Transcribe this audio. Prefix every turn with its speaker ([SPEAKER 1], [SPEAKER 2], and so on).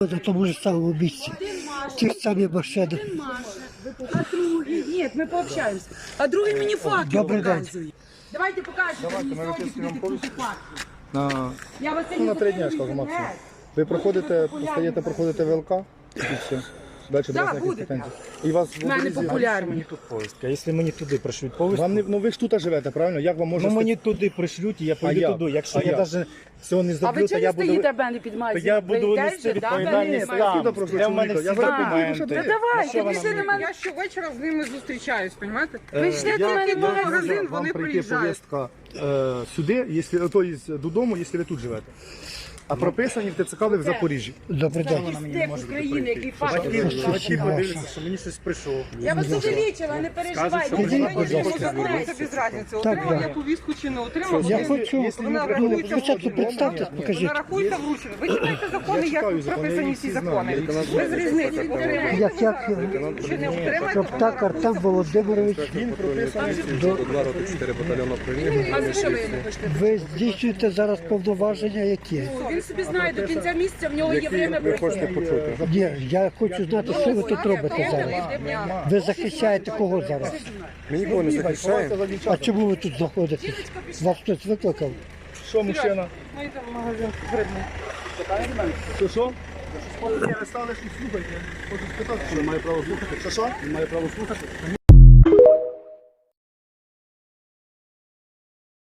[SPEAKER 1] На тому ж самому місці. Ті ж самі машини.
[SPEAKER 2] А другий, ні, ми пообщаємося. А другий мені факел
[SPEAKER 1] Добрий день.
[SPEAKER 2] показує. Давайте покажете мені сьогодні, куди ти тут факел. Я вас
[SPEAKER 3] На 3 дні, я скажу максимум. Ви проходите, постаєте, проходите ВЛК і все. Далі до вас ніяких
[SPEAKER 2] буде.
[SPEAKER 3] претензій. І вас в
[SPEAKER 2] В мене
[SPEAKER 3] обрізі-
[SPEAKER 2] популярні.
[SPEAKER 4] Мені тут повістка. Якщо мені туди пришлють повістку,
[SPEAKER 3] Вам не, ну ви ж тут живете, правильно? Як вам можна...
[SPEAKER 4] ну мені туди пришлють, і я поїду
[SPEAKER 3] як?
[SPEAKER 4] туди. Якщо
[SPEAKER 3] А
[SPEAKER 4] я
[SPEAKER 3] як?
[SPEAKER 4] навіть цього не
[SPEAKER 2] А
[SPEAKER 4] зроблю,
[SPEAKER 2] ви
[SPEAKER 4] то
[SPEAKER 2] чого
[SPEAKER 4] я
[SPEAKER 2] не
[SPEAKER 4] буду...
[SPEAKER 2] стоїте, мене під
[SPEAKER 4] То
[SPEAKER 2] майзі?
[SPEAKER 4] я буду нести відповідальність там. Де в мене всі
[SPEAKER 3] Я зараз
[SPEAKER 4] документи.
[SPEAKER 3] піду,
[SPEAKER 2] Та давайте, пішли на мене.
[SPEAKER 5] Я щовечора з ними зустрічаюсь, розумієте?
[SPEAKER 2] Ви йшли до мене в магазин,
[SPEAKER 3] Вам
[SPEAKER 5] вони
[SPEAKER 3] прийти
[SPEAKER 5] приїжджають.
[SPEAKER 3] повістка сюди, якщо, то є додому, якщо ви тут живете. А прописані в ТЦК ви в Запоріжжі.
[SPEAKER 1] Добрий день.
[SPEAKER 2] Стек України, який факел.
[SPEAKER 4] Батьки подивляться, що мені щось прийшло.
[SPEAKER 2] Я вас увеличила, не переживайте.
[SPEAKER 1] Скажіть,
[SPEAKER 2] Ви
[SPEAKER 1] будь ласка.
[SPEAKER 2] закони.
[SPEAKER 5] Це без різниці,
[SPEAKER 1] Так,
[SPEAKER 5] отримав
[SPEAKER 1] да.
[SPEAKER 5] я повістку чи не отримав.
[SPEAKER 1] Я
[SPEAKER 5] Вона
[SPEAKER 1] хочу, спочатку представтесь, покажіть.
[SPEAKER 5] рахуйте вручення. Ви читаєте закони, як
[SPEAKER 3] читаю
[SPEAKER 5] тут
[SPEAKER 3] закони,
[SPEAKER 5] прописані
[SPEAKER 3] я
[SPEAKER 5] всі
[SPEAKER 3] їх всі
[SPEAKER 5] закони.
[SPEAKER 3] знаю.
[SPEAKER 5] Без різниці. Отримаєте
[SPEAKER 1] Як
[SPEAKER 5] чи не отримаєте,
[SPEAKER 1] Шоптак Артем Володимирович,
[SPEAKER 3] Він прописаний.
[SPEAKER 2] А за що ви не хочете?
[SPEAKER 1] ви здійснюєте зараз повноваження які?
[SPEAKER 2] Він собі знає, до кінця місяця в нього є время пройти.
[SPEAKER 1] Ні, я хочу знати, що ви тут робите зараз. Ви захищаєте кого зараз?
[SPEAKER 3] Ми нікого не захищаємо.
[SPEAKER 1] А чому ви тут знаходитесь? Вас хтось викликав?
[SPEAKER 3] Що, мужчина?
[SPEAKER 5] Ми йдемо в магазин грибний.
[SPEAKER 3] Що? Ви стали, що слухайте. Хочу спитати, що має право слухати. Що? Він має право слухати.